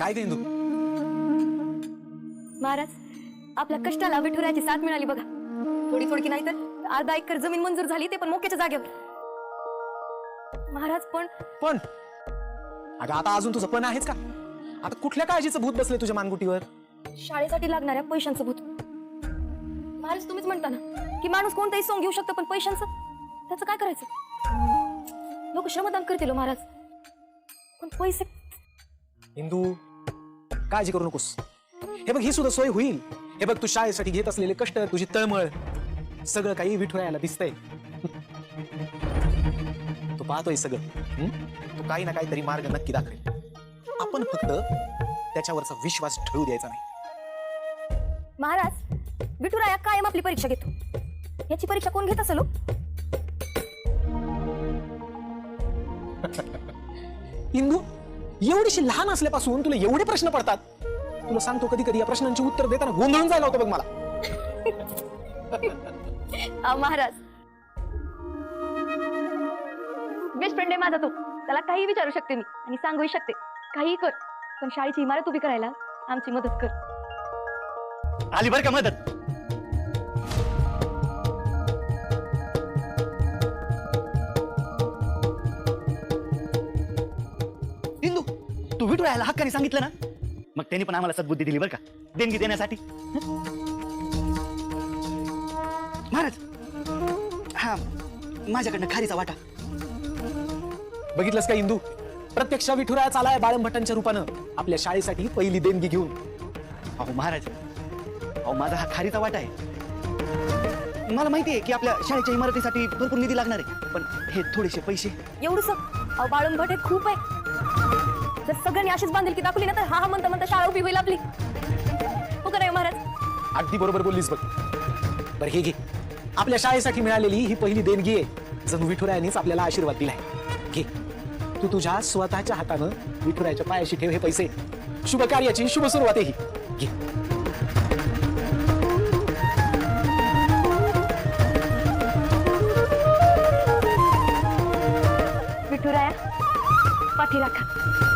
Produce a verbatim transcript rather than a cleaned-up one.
काय गे इंदू? महाराज, आपल्या कष्टाला विठुरायाची साथ मिळाली बघा. थोडी थोडकी नाही तर अर्धा एकर जमीन मंजूर झाली, ते पण मोक्याच्या जागेवर. महाराज पण पण अगं आता अजून तुझं पण आहेच का? आता कुठल्या काळजीचं भूत बसले तुझ्या मानगुटीवर? शाळेसाठी लागणाऱ्या पैशांचं भूत. महाराज तुम्हीच म्हणता ना की माणूस कोणताही सोंग घेऊ शकतो, पण पैशांचं त्याचं काय करायचं? लोक श्रमदान करतील हो महाराज, पण पैसे. इंदू काळजी करू नकोस. हे बघ, ही सुद्धा सोय होईल. हे बघ, तू शाळेसाठी घेत असलेले कष्ट, तुझी तळमळ, सगळं काही विठुरायाला दिसतंय. तू पाहतोय सगळं. हं? तू काही ना काहीतरी मार्ग नक्की दाखवेल. आपण फक्त त्याच्यावरचा विश्वास ठेवू द्यायचा नाही. महाराज, विठुराया कायम आपली परीक्षा घेतो. याची परीक्षा कोण घेत असेल? इंदू, एवढीशी लहान असल्यापासून तुला एवढे प्रश्न पडतात. तुला सांगतो, कधी कधी या प्रश्नांची उत्तर देताना गोंधळून जायला होतं बघ मला. अहो महाराज, बेस्ट फ्रेंड आहे माझा तो. त्याला काही विचारू शकते मी आणि सांगूही शकते. काही कर, पण शाळेची इमारत उभी करायला आमची मदत कर. आली बरं का मदत. इंदू, तू विठुरायाला हक्काने सांगितलं ना, मग त्यांनी पण आम्हाला सद्बुद्धी दिली बरं का, देणगी देण्यासाठी. महाराज, हा माझ्याकडनं खारीचा वाटा. बघितलंस का इंदू? प्रत्यक्ष विठुराया चालाय बाळंभट्टांच्या रूपानं आपल्या शाळेसाठी पहिली देणगी घेऊन. अहो महाराज, अहो माझा हा खारीचा वाटा आहे. मला माहितीये की आपल्या शाळेच्या इमारतीसाठी भरपूर निधी लागणार आहे, पण हे थोडेसे पैसे. एवढंच? अहो बाळंभट हे खूप आहे. जर सगळ्यांनी अशीच बांधील की दाखवली ना, तर हा हा म्हणता म्हणता शाळा उभी होईल आपली. हो का नाही महाराज? अगदी बरोबर बोललीस बघ. बरं, हे घे, आपल्या शाळेसाठी मिळालेली ही पहिली देणगी आहे. जणू विठुरायानेच आपल्याला आशीर्वाद दिलाय. घे, तू तुझ्या स्वतःच्या हातानं विठुरायाच्या पायाशी ठेव हे पैसे. शुभ कार्याची शुभ सुरुवात आहे ही. घे. विठुराया, पाठी राखा.